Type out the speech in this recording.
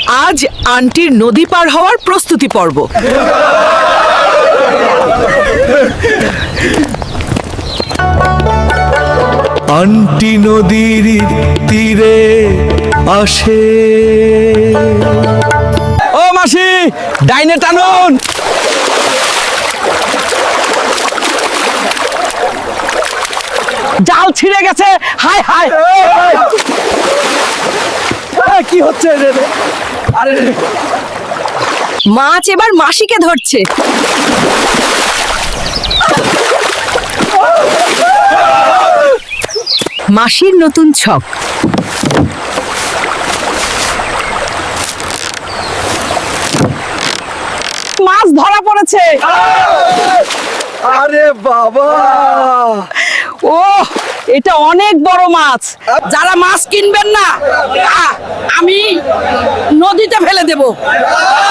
আজ আন্টির নদী পার হওয়ার প্রস্তুতি পর্ব। আন্টি নদীর তীরে আসে। ও মাসি, ডাইনে টানুন। জাল ছিঁড়ে গেছে। হায় হায়, কি হচ্ছে রে? আরে মাছ এবার মাসিকে ধরছে। মাসির নতুন ছক। মাছ ধরা পড়েছে। আরে বাবা, ও এটা অনেক বড় মাছ। যারা মাছ কিনবেন না, আমি নদীতে ফেলে দেব।